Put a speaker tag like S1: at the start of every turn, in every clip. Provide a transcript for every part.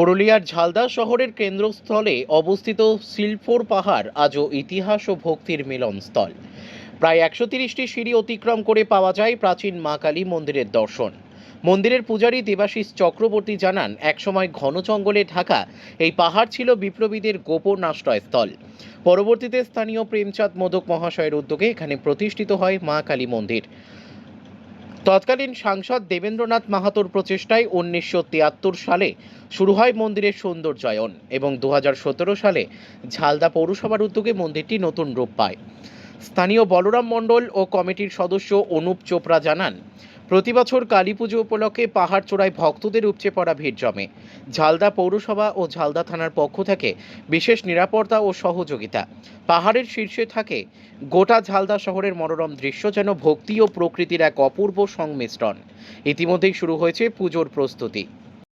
S1: পুরুলিয়ার ঝালদা শহরের কেন্দ্রস্থলে অবস্থিত শিলফোর পাহাড় আজও ইতিহাস ও ভক্তির মিলনস্থল। প্রায় ১৩০টি সিঁড়ি অতিক্রম করে পাওয়া যায় প্রাচীন মা কালী মন্দিরের দর্শন। মন্দিরের পূজারী দেবাশিস চক্রবর্তী জানান, একসময় ঘন জঙ্গলে ঢাকা এই পাহাড় ছিল বিপ্লবীদের গোপন আশ্রয়স্থল। পরবর্তীতে স্থানীয় প্রেমচাঁদ মোদক মহাশয়ের উদ্যোগে এখানে প্রতিষ্ঠিত হয় মা কালী মন্দির। তৎকালীন সাংসদ দেবেন্দ্রনাথ মাহাতোর প্রচেষ্টায় ১৯৭৩ সালে শুরু হয় মন্দিরের সৌন্দর্যায়ন এবং ২০১৭ সালে ঝালদা পৌরসভার উদ্যোগে মন্দিরটি নতুন রূপ পায়। স্থানীয় বলরাম মণ্ডল ও কমিটির সদস্য অনুপ চোপড়া জানান, প্রতি বছর কালী পুজো উপলক্ষে পাহাড় চূড়ায় ভক্তদের উপচে পড়া ভিড় জমে। ঝালদা পৌরসভা ও ঝালদা থানার পক্ষ থেকে বিশেষ নিরাপত্তা ও সহযোগিতা। পাহাড়ের শীর্ষে থাকে গোটা ঝালদা শহরের মনোরম দৃশ্য, যেন ভক্তি ও প্রকৃতির এক অপূর্ব সংমিশ্রণ। ইতিমধ্যেই শুরু হয়েছে পুজোর প্রস্তুতি।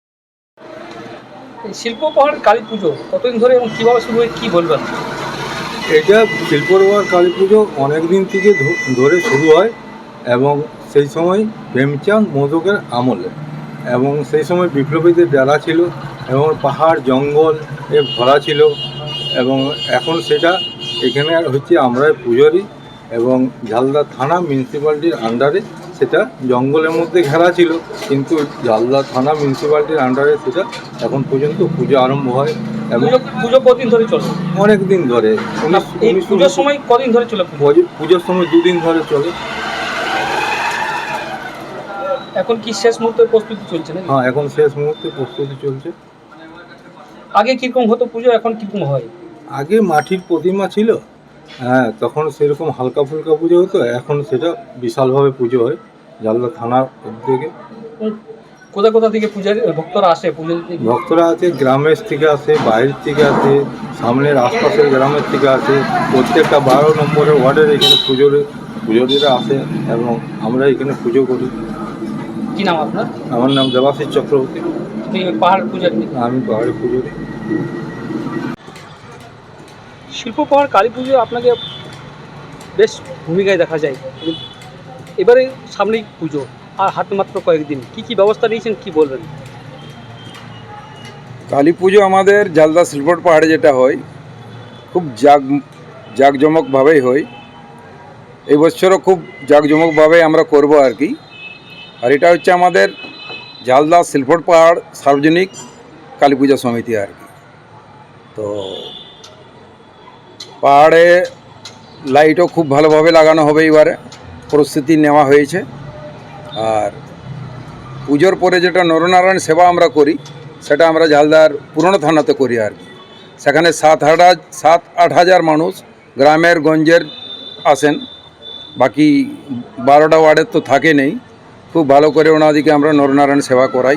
S2: শিল্প পাহাড় কালী পুজো কতদিন ধরে এবং কীভাবে শুরু হয়, কী বলবেন?
S3: এটা শিল্পপাহাড় কালী পুজো অনেক দিন থেকে ধরে শুরু হয় এবং সেই সময় প্রেমচাঁদ মোদকের আমলে, এবং সেই সময় বিপ্লবীদের ডেরা ছিল এবং পাহাড় জঙ্গল ভরা ছিল, এবং এখন সেটা এখানে হচ্ছে আমরা পুজোরই, এবং ঝালদা থানা মিউনিসিপ্যালিটির আন্ডারে সেটা জঙ্গলের মধ্যে ঘেরা ছিল, কিন্তু ঝালদা থানা মিউনিসিপ্যালিটির আন্ডারে সেটা এখন পর্যন্ত পুজো আরম্ভ হয়। এবং
S2: পুজো কতদিন ধরে চলে?
S3: অনেক দিন ধরে।
S2: পুজোর সময় কদিন ধরে চলে?
S3: পুজোর সময় 2 দিন ধরে চলে।
S2: এখন কি শেষ মুহূর্তের প্রস্তুতি চলছে না?
S3: হ্যাঁ, এখন শেষ মুহূর্তে প্রস্তুতি চলছে।
S2: আগে কীরকম হতো পুজো, এখন কীরকম হয়?
S3: আগে মাটির প্রতিমা ছিল, হ্যাঁ, তখন সেরকম হালকা ফুলকা পুজো হতো। এখন সেটা বিশালভাবে পুজো হয় ঝালদা থানার উদ্যোগে।
S2: কোথা কোথা থেকে পূজার ভক্তরা আসে? পুজো
S3: ভক্তরা আছে, গ্রামের থেকে আসে, বাইরের থেকে আসে, সামনের আশপাশের গ্রামের থেকে আসে। প্রত্যেকটা 12 নম্বরের ওয়ার্ডের এখানে পুজোরীরা আসে এবং আমরা এখানে পুজো করি।
S2: কী নাম আপনার?
S3: আমার নাম দেবাশিস চক্রবর্তী।
S2: পাহাড় পূজার?
S3: আমি পাহাড়ে পুজোরি।
S2: শিল্প পাহাড় কালী পুজো আপনাকে বেশ ভূমিকায় দেখা যায়। এবারে সামনেই পুজো, আর হাতে মাত্র কয়েকদিন, কি কি ব্যবস্থা নিয়েছেন, কি বলবেন?
S4: কালী পুজো আমাদের ঝালদা শিলফোর পাহাড়ে যেটা হয়, খুব জাঁকজমকভাবেই হয়। এই বছরও খুব জাঁকজমকভাবেই আমরা করব আর কি। আর এটা হচ্ছে আমাদের ঝালদা শিলফোর পাহাড় সার্বজনিক কালী পূজা সমিতি আর কি। তো পাহাড়ে লাইটও খুব ভালোভাবে লাগানো হবে, এবারে প্রস্তুতি নেওয়া হয়েছে। আর পুজোর পরে যেটা নরনারায়ণ সেবা আমরা করি, সেটা আমরা ঝালদার পুরনো থানাতে করি আর কি। সেখানে 7-8 হাজার মানুষ গ্রামের গঞ্জের আসেন, বাকি 12টা ওয়ার্ডের তো থাকে নেই। খুব ভালো করে ওনাদিকে আমরা নরনারায়ণ সেবা করাই।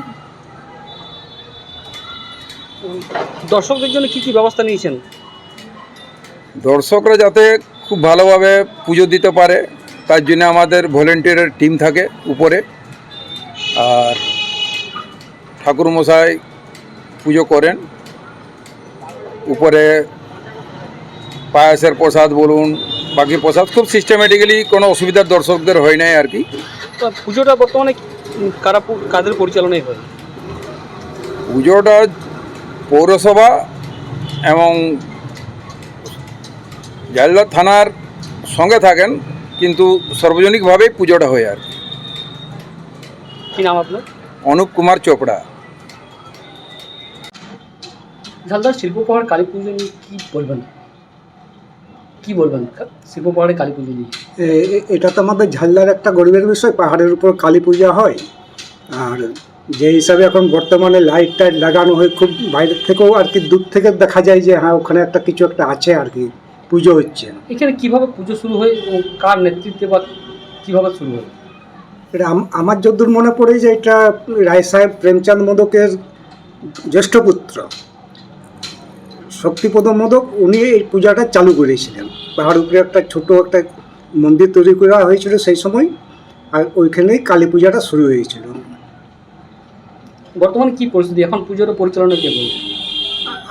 S2: দর্শকদের জন্য কি কি ব্যবস্থা নিয়েছেন?
S4: দর্শকরা যাতে খুব ভালোভাবে পুজো দিতে পারে, তার জন্য আমাদের ভলেন্টিয়ারের টিম থাকে উপরে। আর ঠাকুরমশাই পুজো করেন উপরে, পায়েসের প্রসাদ বলুন, বাকি প্রসাদ খুব সিস্টেমেটিক্যালি, কোনো অসুবিধার দর্শকদের হয় নাই আর কি।
S2: তো পুজোটা বর্তমানে কাদের পরিচালনায় হয়?
S4: পুজোটা পৌরসভা এবং ঝালদা থানার সঙ্গে থাকেন, কিন্তু সার্বজনিকভাবেই পুজোটা হয় আর কি।
S2: কী নাম আপনার?
S4: অনুপ কুমার চোপড়া।
S2: ঝালদার শিল্প পাহাড় কালী পুজো নিয়ে কী বলবেন? শিল্প পাহাড়ে কালী পুজো নিয়ে?
S5: এটা তো আমাদের ঝালদার একটা গরিবের বিষয়। পাহাড়ের উপর কালী পূজা হয়, আর যে হিসাবে এখন বর্তমানে লাইট টাইট লাগানো হয়, খুব বাইরের থেকেও আর কি, দূর থেকে দেখা যায় যে হ্যাঁ, ওখানে একটা কিছু একটা আছে আর কি, পুজো হচ্ছে।
S2: এখানে কীভাবে পুজো শুরু হয় ও কার নেতৃত্বে বা কীভাবে শুরু হয়?
S5: এটা আমার যতদূর মনে পড়ে যে এটা রায় সাহেব প্রেমচাঁদ মোদকের জ্যেষ্ঠ পুত্র শক্তিপদ মোদক, উনি এই পূজাটা চালু করেছিলেন। পাহাড় উপরে একটা ছোট একটা মন্দির তৈরি করা হয়েছিল সেই সময়, আর ওইখানেই কালী পূজাটা শুরু হয়েছিল।
S2: বর্তমানে কী পরিস্থিতি, এখন পুজোর পরিচালনা কে বলবে?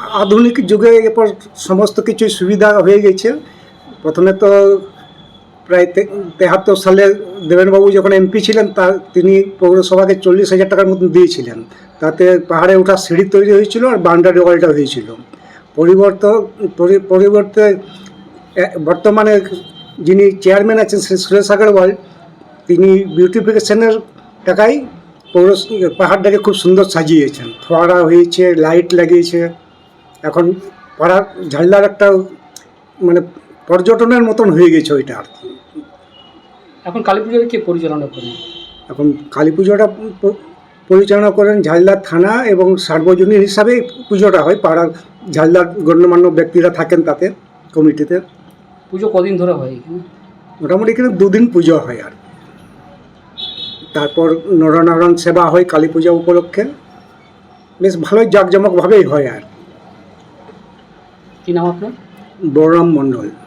S5: আধুনিক যুগে এরপর সমস্ত কিছু সুবিধা হয়ে গেছে। প্রথমে তো প্রায় 73 সালে দেবেনবাবু যখন এমপি ছিলেন তিনি পৌরসভাকে 40,000 টাকার মতন দিয়েছিলেন। তাতে পাহাড়ে ওঠা সিঁড়ি তৈরি হয়েছিল আর বাউন্ডারি ওয়ালটা হয়েছিল। পরিবর্তে বর্তমানে যিনি চেয়ারম্যান আছেন শ্রী সুরেশ আগরওয়াল, তিনি বিউটিফিকেশনের টাকায় পাহাড়টাকে খুব সুন্দর সাজিয়েছেন। ফোয়ারা হয়েছে, লাইট লাগিয়েছে। এখন পাহাড় ঝালদার একটা মানে পর্যটনের মতন হয়ে গেছে ওইটা আর কি।
S2: এখন কালী পুজোর কে পরিচালনা করেন?
S5: এখন কালী পুজোটা পরিচালনা করেন ঝালদার থানা এবং সার্বজনীন হিসাবে পুজোটা হয়। পাড়ার ঝালদার গণ্যমান্য ব্যক্তিরা থাকেন তাতে কমিটিতে।
S2: পুজো কদিন ধরে হয় এখানে?
S5: মোটামুটি এখানে 2 দিন পুজো হয় আর তারপর নরনারায়ণ সেবা হয় কালী পূজা উপলক্ষে। বেশ ভালোই জাঁকজমকভাবেই হয় আর।
S2: কি নাম আপনার?
S5: বলরাম মণ্ডল।